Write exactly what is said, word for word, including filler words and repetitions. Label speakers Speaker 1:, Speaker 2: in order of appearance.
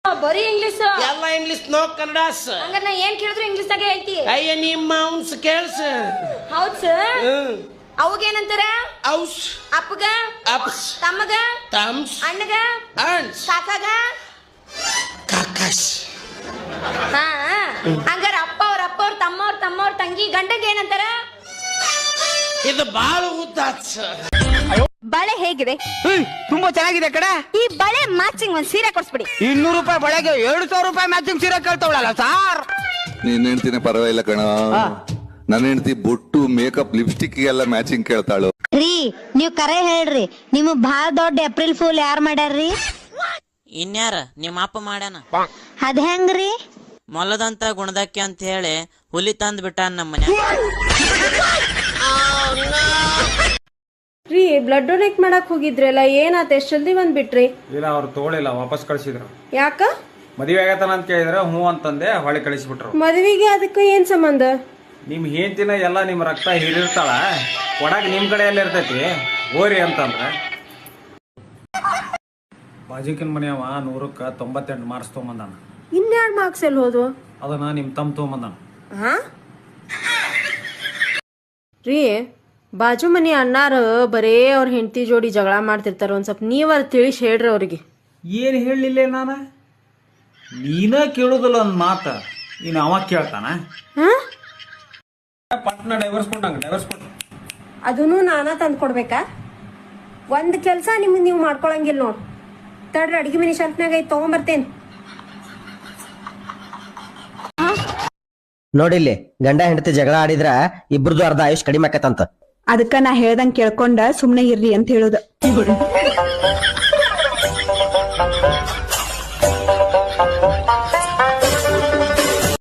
Speaker 1: ಬರೀ ಇಂಗ್ಲಿಷ್
Speaker 2: ಎಲ್ಲ English no Kannada
Speaker 1: ಹಂಗಾರೆ ನಾ ಏನ್ ಕೇಳಿದ್ರು ಇಂಗ್ಲಿಷ್ ದಾಗ ಹೇಳ್ತಿ
Speaker 2: ಅಯ್ಯ ನಿಮ್ಮ ಅವ್ನ್ಸ್ ಕೇಳ್ಸ
Speaker 1: ಹೌದ್ ಸರ್ ಅವಾಗ ಏನಂತಾರ
Speaker 2: ಔಸ್
Speaker 1: ಅಪ್ಪಗ
Speaker 2: ಅಪ್ಸ್
Speaker 1: ತಮ್ಮಗ
Speaker 2: ತಮ್ಸ್
Speaker 1: ಅಣ್ಣಗ
Speaker 2: ಅಣ್ಸ್
Speaker 1: ಕಾಕಾಗ
Speaker 2: ಕಾಕಾಸ್
Speaker 1: ಹಾ ಹಂಗಾರ ಅಪ್ಪ ಅವ್ರ ಅಪ್ಪ ಅವ್ರ ತಮ್ಮ ಅವ್ರ ತಮ್ಮ ಅವ್ರ ತಂಗಿ ಗಂಡಗ ಏನಂತಾರ
Speaker 2: ಇದು ಬಾಳ ಉದ್ದಾತ್
Speaker 1: ಬಳೆ ಹೇಗಿದೆ
Speaker 3: ತುಂಬಾ ಚೆನ್ನಾಗಿದೆ ಕಡೆ
Speaker 1: ಈ ಬಳೆ ಮ್ಯಾಚಿಂಗ್ ಒಂದ್ ಸೀರೆ ಕೊಡ್ಸ್ಬಿಡಿ
Speaker 3: ಇನ್ನೂರು ರೂಪಾಯಿ ಬಳೆಗೆ ಎರಡು ಸಾವಿರ ರೂಪಾಯಿ ಮ್ಯಾಚಿಂಗ್ ಸೀರೆ ಕೇಳ್ತಾವಳಲ್ಲ ಸಾರ್
Speaker 4: ನೀನ್ ಹೆಂಡ್ತಿನೇ ಪರವಾಗಿಲ್ಲ ಕಣ ನನ್ನ ಹೆಂಡತಿ ಬೊಟ್ಟು ಮೇಕಪ್ ಲಿಪ್ಸ್ಟಿಕ್ ಎಲ್ಲ ಮ್ಯಾಚಿಂಗ್ ಕೇಳ್ತಾಳು
Speaker 5: ರೀ ನೀವ್ ಕರೆ ಹೇಳ್ರಿ ನಿಮ್ ಬಾಳ ದೊಡ್ಡ ಏಪ್ರಿಲ್ ಫೂಲ್ ಯಾರ್ ಮಾಡ್ಯಾರ್ರಿ
Speaker 6: ಇನ್ಯಾರ ನಿಮ್ಮ ಅಪ್ಪ ಮಾಡ್ಯಾನ
Speaker 5: ಅದ್ ಹೆಂಗ್ರಿ
Speaker 6: ಮೊಲದಂತ ಗುಣದಕ್ಕೆ ಅಂತ ಹೇಳಿ ಹುಲಿ ತಂದ್ ಬಿಟ್ಟ ನಮ್ಮ ಮನೆ
Speaker 7: ರೀ ಬ್ಲಡ್ ಡೊನೇಟ್ ಮಾಡಕ್ ಹೋಗಿದ್ರಲ್ಲ ಏನಾತ ಎಷ್ಟ್ ಜಲ್ದಿ ಬಂದ್ಬಿಟ್ರಿ
Speaker 8: ಇಲ್ಲ ಅವ್ರು ತಗೊಳಿಲ್ಲ ವಾಪಸ್ ಕಳಿಸಿದ್ರು
Speaker 7: ಯಾಕ
Speaker 8: ಮದುವೆ ಆಗತ್ತಾನ ಅಂತ ಕೇಳಿದ್ರೆ ಹ್ಞೂ ಅಂತಂದೆ ಹೊಳೆ ಕಳಿಸ್ಬಿಟ್ರು
Speaker 7: ಮದ್ವಿಗೆ ಅದಕ್ಕೂ ಏನ್ ಸಂಬಂಧ
Speaker 8: ನಿಮ್ ಹೆಂಡತಿನ ಎಲ್ಲ ನಿಮ್ ರಕ್ತ ಹೀರಿರ್ತಾಳ ಕೊಡಾಕ್ ನಿಮ್ ಕಡೆ ಎಲ್ಲ ಇರ್ತೈತಿ ಓರಿ ಅಂತಂದ್ರೆ ಬಾಜಿಕಿನ ಮನೆಯವ ನೂರಕ್ಕ ತೊಂಬತ್ತೆಂಟು ಮಾರ್ಕ್ಸ್ ತೊಗೊಂಬಂದಾನ
Speaker 7: ಇನ್ಯಾರ್ಡ್ ಮಾರ್ಕ್ಸ್ ಎಲ್ಲಿ ಹೋದ್ವು
Speaker 8: ಅದನ್ನ ನಿಮ್ ತಮ್ಮ ತೊಗೊಂಬಂದಾನ
Speaker 7: ಹಾ ರೀ ಬಾಜು ಮನಿ ಅಣ್ಣಾರ ಬರೇ ಅವ್ರ ಹೆಂಡತಿ ಜೋಡಿ ಜಗಳ ಮಾಡ್ತಿರ್ತಾರ ಒಂದ್ ಸ್ವಲ್ಪ ನೀವರ್ ತಿಳಿಸಿ ಹೇಳ್ರಿ ಅವ್ರಿಗೆ
Speaker 8: ಏನ್ ಹೇಳಲಿಲ್ಲ ನಾನು ನೀನ ಕೇಳುದಿಲ್ಲ ಒಂದ್ ಮಾತ ಇನ್ನು ಅವ ಕೇಳ್ತಾನ
Speaker 7: ಹಾ
Speaker 8: ಪಟ್ನ ಡೈವರ್ಸ್ ಕೊಟ್ಟಂಗ ಡೈವರ್ಸ್ ಕೊಟ್ಟು
Speaker 7: ಅದನ್ನು ನಾನಾ ತಂದು ಕೊಡ್ಬೇಕಾ ಒಂದ್ ಕೆಲ್ಸ ನಿಮ್ಗೆ ನೀವು ಮಾಡ್ಕೊಳಂಗಿಲ್ಲ ನೋಡ್ ತಡ್ರಿ ಅಡಿಗೆ ಮನಿ ಶೆಲ್ಫ್ನಾಗ ಐತ್ ತಗೊಂಬರ್ತೇನ್
Speaker 9: ನೋಡಿಲ್ಲಿ ಗಂಡ ಹೆಂಡತಿ ಜಗಳ ಆಡಿದ್ರ ಇಬ್ರದು ಅರ್ಧ ಆಯುಷ್ ಕಡಿಮೆ ಆಕತ್ತಂತ
Speaker 10: ಅದಕ್ಕ ನಾ ಹೇಳ್ದಂಗ್ ಕೇಳ್ಕೊಂಡ ಸುಮ್ನೆ ಇರ್ರಿ ಅಂತ ಹೇಳುದ